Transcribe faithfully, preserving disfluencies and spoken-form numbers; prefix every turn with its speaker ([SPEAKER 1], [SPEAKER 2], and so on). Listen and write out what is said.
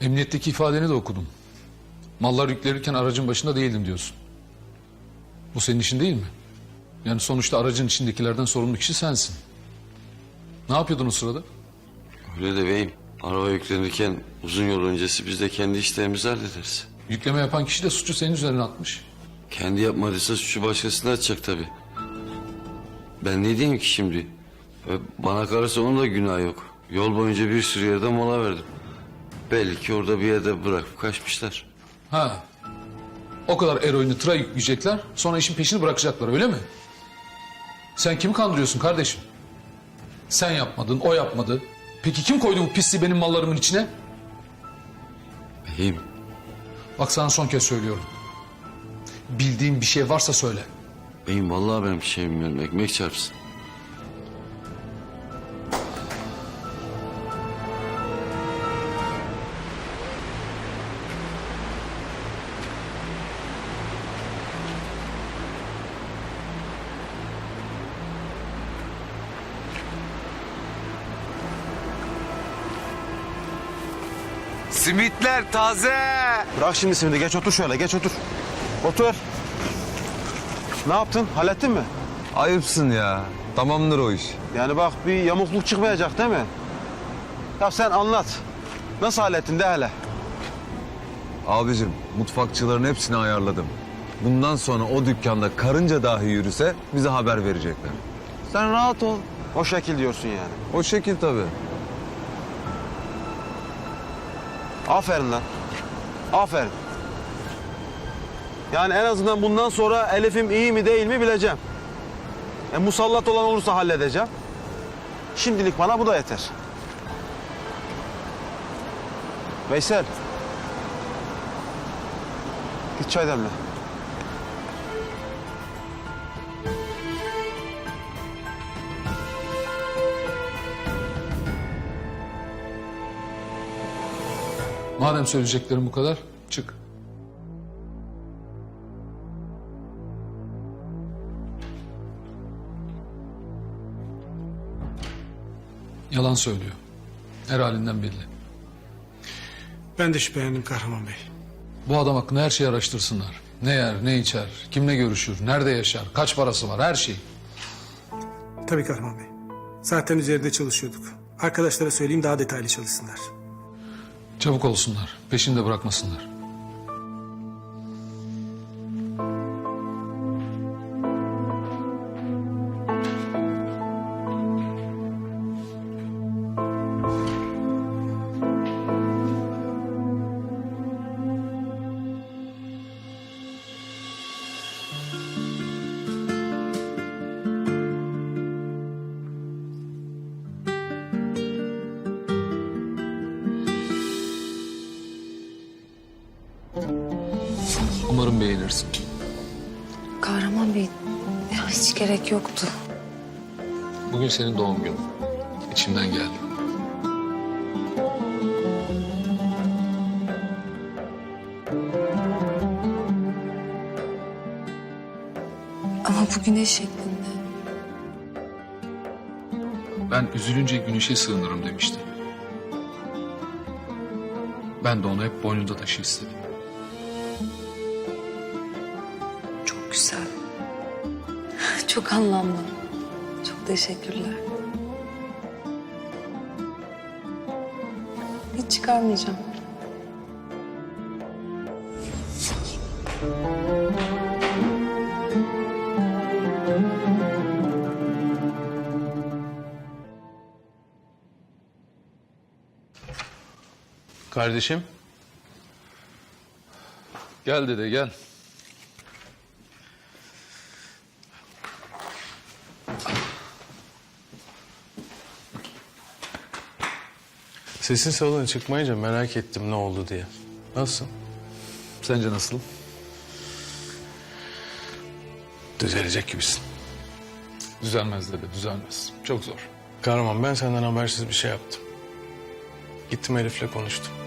[SPEAKER 1] Emniyetteki ifadeni de okudum. Mallar yüklenirken aracın başında değildim diyorsun. Bu senin işin değil mi? Yani sonuçta aracın içindekilerden sorumlu kişi sensin. Ne yapıyordun o sırada?
[SPEAKER 2] Öyle de beyim. Araba yüklenirken uzun yol öncesi biz de kendi işlerimizi hallederiz.
[SPEAKER 1] Yükleme yapan kişi de suçu senin üzerine atmış.
[SPEAKER 2] Kendi yapmadıysa suçu başkasına atacak tabii. Ben ne diyeyim ki şimdi? Ve bana kalırsa onun da günahı yok. Yol boyunca bir sürü yerde mola verdim. Belli ki orada bir yerde bırakıp kaçmışlar.
[SPEAKER 1] Ha. O kadar eroini tıra yükleyecekler, sonra işin peşini bırakacaklar, öyle mi? Sen kimi kandırıyorsun kardeşim? Sen yapmadın, o yapmadı. Peki kim koydu bu pisliği benim mallarımın içine?
[SPEAKER 2] Beyim,
[SPEAKER 1] Bak sana son kez söylüyorum. Bildiğin bir şey varsa söyle.
[SPEAKER 2] beyim vallahi ben bir şey bilmiyorum. Ekmek çarpsın.
[SPEAKER 3] Simitler taze.
[SPEAKER 4] Bırak şimdi simidi, geç otur şöyle, geç otur. Otur. Ne yaptın, hallettin mi?
[SPEAKER 3] Ayıpsın ya. Tamamdır o iş.
[SPEAKER 4] Yani bak bir yamukluk çıkmayacak değil mi? Ya sen anlat. Nasıl hallettin de hele.
[SPEAKER 3] Abicim mutfakçıların hepsini ayarladım. Bundan sonra o dükkanda karınca dahi yürüse bize haber verecekler. Sen rahat ol.
[SPEAKER 4] O şekil diyorsun yani.
[SPEAKER 3] O şekil tabii.
[SPEAKER 4] Aferin lan. Aferin. Yani en azından bundan sonra Elif'im iyi mi değil mi bileceğim. E, musallat olan olursa halledeceğim. Şimdilik bana bu da yeter. Veysel. Git çay demle.
[SPEAKER 1] Madem söyleyeceklerim bu kadar, çık. Yalan söylüyor. Her halinden belli.
[SPEAKER 5] Ben de şüphelendim Kahraman Bey.
[SPEAKER 1] Bu adam hakkında her şeyi araştırsınlar. Ne yer, ne içer, kimle görüşür, nerede yaşar, kaç parası var, her şey.
[SPEAKER 5] Tabii Kahraman Bey. Zaten üzerinde çalışıyorduk. Arkadaşlara söyleyeyim daha detaylı çalışsınlar.
[SPEAKER 1] Çabuk olsunlar, peşinde bırakmasınlar. Umarım beğenirsin.
[SPEAKER 6] Kahraman Bey, ya hiç gerek yoktu.
[SPEAKER 1] Bugün senin doğum günün. İçimden geldi.
[SPEAKER 6] Ama bu güneş şeklinde.
[SPEAKER 1] Ben üzülünce güneşe sığınırım demiştim. Ben de onu hep boynunda taşı istedim.
[SPEAKER 6] Çok güzel. Çok anlamlı. Çok teşekkürler. Hiç çıkarmayacağım.
[SPEAKER 1] Kardeşim. Gel dede gel.
[SPEAKER 7] Sesin salona çıkmayınca merak ettim ne oldu diye. Nasıl?
[SPEAKER 1] Sence nasıl?
[SPEAKER 7] Düzelecek gibisin.
[SPEAKER 1] Düzelmez dede, düzelmez. Çok zor.
[SPEAKER 7] Kahraman ben senden habersiz bir şey yaptım. Gittim Elif'le konuştum.